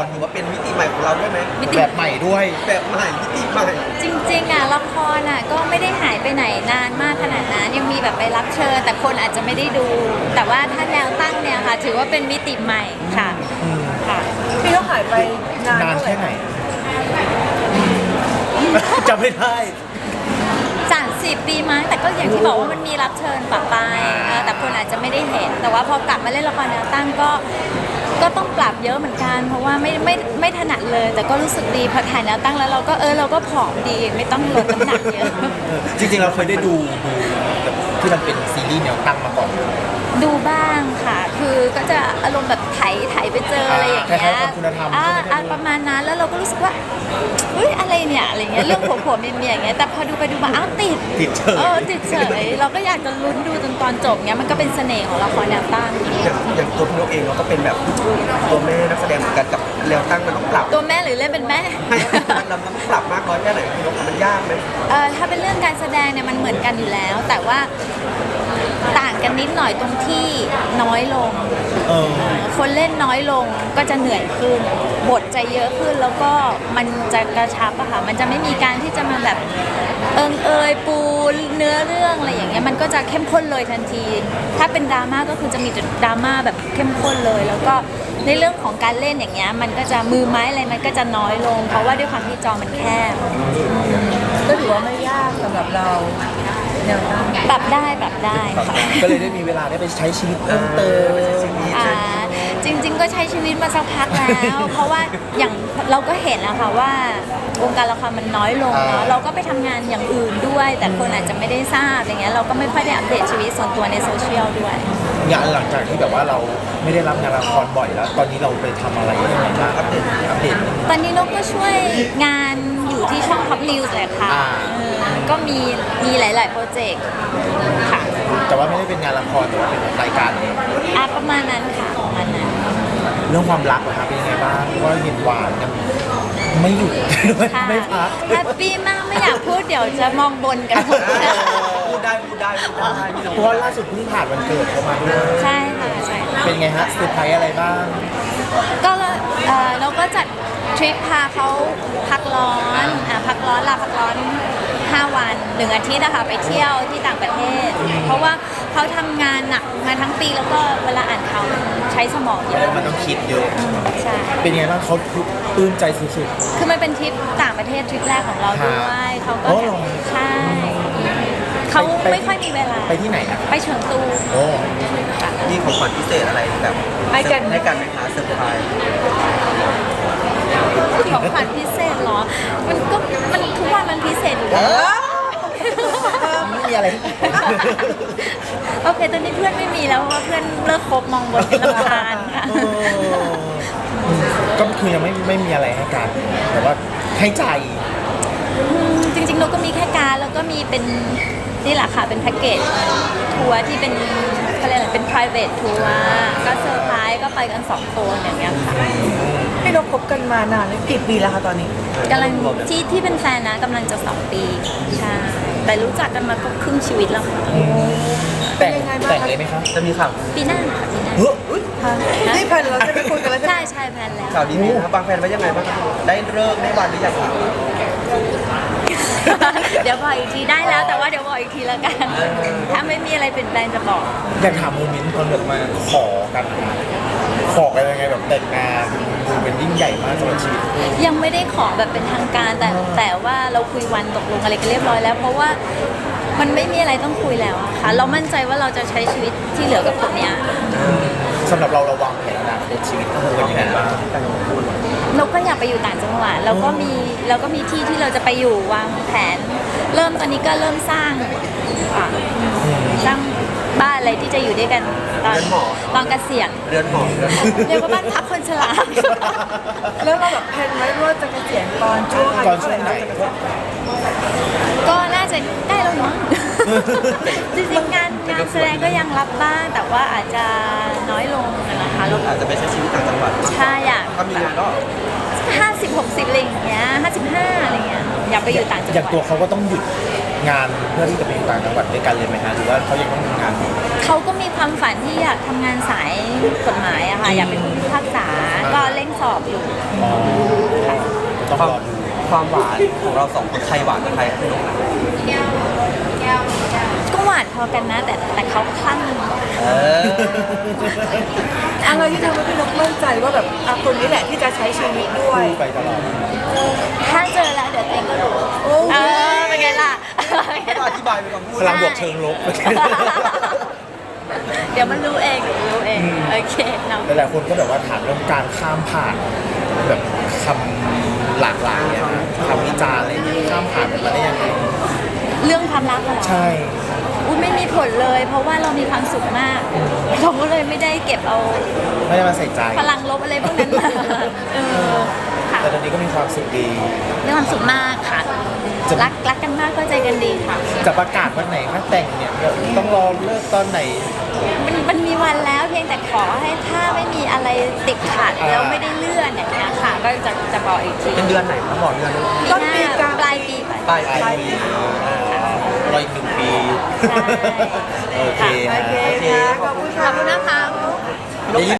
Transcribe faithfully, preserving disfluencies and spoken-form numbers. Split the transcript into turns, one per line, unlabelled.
รถือว่าเป็นมิติใหม่ของเราด้วยไหม
แบบใหม่ด้วย
แบบใหม่มิติใหม่
จริงๆอ่ะละครอ่ะก็ไม่ได้หายไปไหนนานมากขนาดนั้นยังมีแบบไปรับเชิญแต่คนอาจจะไม่ได้ดู แต่ว่าถ้าแนวตั้งเนี่ยค่ะถือว่าเป็นมิติใหม่ค่ะค่ะ
พี่เขาหายไปนาน
นาน
เท่าไหร่
แค่ไหนจำไม่ได้
สามสิบปีมั้งแต่ก็อย่างที่บอกว่ามันมีรับเชิญปะปายเออแต่คนอาจจะไม่ได้เห็น แต่ว่าพอกลับมาเล่นละครแนวตั้งก็ก็ต้องปรับเยอะเหมือนกัน เพราะว่าไม่ไม่ไม่ถนัดเลย แต่ก็รู้สึกดีพอถ่ายแนวตั้งแล้วเราก็เออเราก็ผอมดีไม่ต้องลดน้ำหนักเยอะ
จริงๆเราเคยได้ดูดูที่มันเป็นซีรีส์แนวตั้งมาก่อน
ดูบ้างค่ะ คือก็จะอารมณ์แบบไถไถไปเจออะไรอย่างเงี้
คล้าย
ย
ๆกับคุณธรรม
อ่า
ใช่ไหม
อ่าประมาณนั้นแล้วเราก็รู้สึกว่าเฮ้ยอะไรเนี่ยอะไรเงี้ยเรื่องผัวผัวเมียเมียอย่างเงี้ยแต่พอดูไปดูมาอ้าวติด
ติดเฉย
เออติดเฉยเราก็อยากจะลุ้นดูจนตอนจบเงี้ยมันก็เป็นเสน่ห์ของละครแนวตั้ง
อย่างอย่างตัวพี่นกเองเราก็เป็นแบบตัวแม่นักแสดงเหมือนกันกับแนวตั้งมันต้องปรับ
ตัวแม่หรือเล่นเป็นแม่
ให้เราต้องปรับมากน้อยแค่ไหนพี่นกมันยากไหม
เออถ้าเป็นเรื่องการแสดงเนี่ยมันเหมือนกันอยู่แล้ว แต่ว่าต่างกันนิดหน่อยตรงที่น้อยลง
เออ
คนเล่นน้อยลงก็จะเหนื่อยขึ้นบทจะเยอะขึ้นแล้วก็มันจะกระชับอะค่ะมันจะไม่มีการที่จะมาแบบเอิงเอยปูเนื้อเรื่องอะไรอย่างเงี้ยมันก็จะเข้มข้นเลยทันที ถ้าเป็นดราม่าก็คือจะมีแต่ดราม่าแบบเข้มข้นเลย แล้วก็ในเรื่องของการเล่นอย่างเงี้ยมันก็จะมือไม้อะไรมันก็จะน้อยลง เพราะว่าด้วยความที่จอมันแคบ
ก็ถือว่าไม่ยากสำหรับเราแนวตั้ง
ปรับได้ปรับได้ค่ะ
ก็เลยได้มีเวลาได้ไปใช้ชีวิตเพิ่มเติม
อ่าจริง ๆ ก็ใช้ชีวิตมาสักพักแล้ว เพราะว่าอย่างเราก็เห็นแล้วค่ะว่าวงการละครมันน้อยลงเนาะ
อ่า
เราก็ไปทำงานอย่างอื่นด้วย แต่คนอาจจะไม่ได้ทราบอย่างเงี้ยเราก็ไม่ค่อยได้อัปเดตชีวิตส่วนตัวในโซเชียลด้วย
งานหลังจากที่แบบว่าเราไม่ได้รับงานละครบ่อยแล้ว ตอนนี้เราไปทำอะไรยังไงบ้างอัปเดตอัปเดต
ตอนนี้นกก็ช่วยงานอยู่ที่ช่อง Top News แหละค่ะ
อ่า
เออก็มีมีหลาย ๆ โปรเจกต์ค่ะ
แต่ว่าไม่ได้เป็นงานละครแต่ว่าเป็นรายการเอง
อ่ะประมาณนั้นค่ะประมาณนั้น
เรื่องความรักนะครับเป็นยังไงบ้างเพราะว่าเห็นหวานกันไม่หยุด
ค่ะ
ไม่พัก
แฮปปี้มากไม่อยากพูดเดี๋ยวจะมองบนกันหมด
พูดได้พูดได้พูดได้พี่นก
เพราะว่าล่าสุดเพิ่งผ่านวันเกิดเขามาด้วย
ใช่ค่ะใช่ค่ะ
เป็นไงฮะเซอร์ไพรส์อะไรบ้าง
ก็เอ่อเราก็จัดทริปพาเขาพักร้อนอ่ะพักร้อนลาพักร้อนห้าวันหนึ่งอาทิตย์นะคะไปเที่ยวที่ต่างประเทศ เพราะว่าเขาทำงานหนักมาทั้งปีแล้วก็เวลาอ่านข่าวมันใช้สมองเยอะ
มันต้องคิดเยอะ
ใช่
เป็นไงบ้างเขาปลื้มใจสุด
คือมันเป็นทริปต่างประเทศทริปแรกของเราด้วยเขาก็
อ๋อเหรอ
ใช่เขา
ไป
ไม่ค่อยมีเวลา
ๆ ไปที่ไหนอ่ะ
ไปเฉิงตู
โอ้
ค่ะ
มีของขวัญพิเศษอะไรแบบ
ให้กัน
ให้กันไหมคะเซอร์ไพรส์
ของขวัญพิเศษเหรอ มันก็มันทุกวันมันพิเศษอยู่แล้ว
ไม่มีอะไร
โอเค ตอนนี้เพื่อนไม่มีแล้วเพราะว่าเพื่อนเลิกคบมองบนเป็นลำคาญค่ะ
เออก็คือยังไม่ไม่มีอะไรให้กันแต่ว่าให้ใจ
มจริงๆเราก็มีแค่การดแล้วก็มีเป็นนี่แหละค่ะเป็นแพ็กเกจทัวร์ที่เป็นเขาเรียกอะไรเป็น private ทัวร์ก็เซอร์ไพรส์ก็ไปกันสองคนอย่างเงี้ยค่ะ
พี่นกคบกันมานานแล้วกี่ปีแล้วคะตอนนี้
กำลังที่ที่เป็นแฟนนะกำลังจะสองปีใช่แต่รู้จักกันมาก็ครึ่งชีวิตแล้วค่ะ
แต่ง
เป็นยังไงบ้าง
แต่งเลยไหมคะ
จะมีข่าว
ปีหน้าค่ะปีหน้า
เฮ้ย
นี่แพลนเราจะไปคุยกันแล้วใช่ไหม
ใช่ใช่แพลนแล้ว
ข่าวดีไหมครับบางแฟนไว้ยังไงบ้างครับได้เลิกได้วันหรือยังครับ
เดี๋ยวบอกอีกทีได้แล้วแต่ว่าเดี๋ยวบอกอีกทีแล้วกัน ถ้าไม่มีอะไรเปลี่ยนแปลงจะบอก
อยากถามโมเมนต์ตอนแบบมาขอกันนะขอกันยังไงแบบแต่งงานดูเป็นยิ่งใหญ่มากสำหรับชีวิต
ยังไม่ได้ขอแบบเป็นทางการแต่แต่ว่าเราคุยวันตกลงอะไรกันเรียบร้อยแล้ว เพราะว่ามันไม่มีอะไรต้องคุยแล้วอะค่ะ เรามั่นใจว่าเราจะใช้ชีวิตที่เหลือกับคนเนี้ย
สำหรับเราเราวางแผนอนาคตชีวิตคู่กันยังไงบ้าง
เราก็อยากไปอยู่ต่างจังหวัดเราก็มีเราก็มีที่ที่เราจะไปอยู่วางแผน เริ่มตอนนี้ก็เริ่มสร้างอ่ะสร้างบ้านอะไรที่จะอยู่ด้วยกันตอนตอนเกษียณ
เรือนหอเรือนหอ
เรียกว่าบ้านพักคนชรา
แล้วเราแบบแพลนไว้ว่าจะเกษียณตอนช่วงอา
ตอ
ยุ
น
เท่า
ช่
ไห
ว
ร่
งไหน
เราจะเกษียณ
ก็น่าจะใกล้แล้วเนาะ จริงๆงานงานแสดงก็ยังรับบ้างแต่ว่าอาจจะน้อยลงนะคะแล้ว
อาจจะไปใช้ชีวิตต่างจังหวัดมากกว่า
ใช่อยาก
ถ้ามีงานก็
ห้าสิบหกสิบอะไรอย่างเงี้ยห้าสิบห้าอะไรเงี้ยอยากไปอยู่ต่างจังห
อย่าง
วัด
ตัวเขาก็ต้องหยุดงานเพื่อที่จะไปอยู่ต่างจังหวัดด้วยกันเลยไหมฮะหรือว่าเขายังต้องทำงานอยู่
เขาก็มีความฝันที่อยากทำงานสายกฎหมายอะค่ะอยากเป็นผู้พิพากษาก็เร่งสอบอยู่
อ๋อต้อง
ความ
รอดู
ความหวานของเราสองคนใครหวานกว่าใครครับพี่นก
ก็หวานพอกันนะ แต่แต่เขาคลั่ง
เออ
อะไรที่ทำให้พี่นกมั่นใจว่าแบบอ่ะคนนี้แหละที่จะใช้ชีวิตด้วย
คู่ไปตลอด
ถ้าเจอแล้วเดี๋ยวเองก็รู้
โอ้
เออเป็นไงล่ะ
ไม่ต้องอธิบายไปก่อนพูด
พลังบวกเชิงลบ
เดี๋ยวมันรู้เองเดี๋ยวมันรู้เองโอเคเนาะ
หลายๆคนก็แบบว่าถามเรื่องการข้ามผ่านแบบคำหลากหลายอะนะคำวิจารณ์อะไรอย่างเงี้ยข้ามผ่านมันมาได้ยังไง
เรื่องความรักอะเหรอ
ใช่
อุ้ยไม่มีผลเลย เพราะว่าเรามีความสุขมากเราก็เลยไม่ได้เก็บเอา
ไม่ได้มาใส่ใจ
พลังลบอะไรพวกนั้นมาเออค่ะ
แต่ตอนนี้ก็มีความสุขดี
มีความสุขมากค่ะ
จะ
รักรักกันมากเข้าใจกันดีค่ะ
จะประกาศวันไหนคะแต่งเนี่ยต้องรอเลิกตอนไหน
มันมันมีวันแล้วเพียงแต่ขอให้ถ้าไม่มีอะไรติดขัด
อ่า
แล้วไม่ได้เลื่อนอย่างเงี้ยค่ะ ก็จะจะบอกอีกที
เป็นเดือนไหนครับบอกเดือน
ต้นปี
ห
กลาง
ปลายปีไป
ปลาย
ปลาย
ปี
ปีรออีกหนึ่งปี
ใช่
โอเค
โอ
ฮะ
เคค่ะขอบคุณ
ข
ค่ะ
อบคุณนะคะ
นก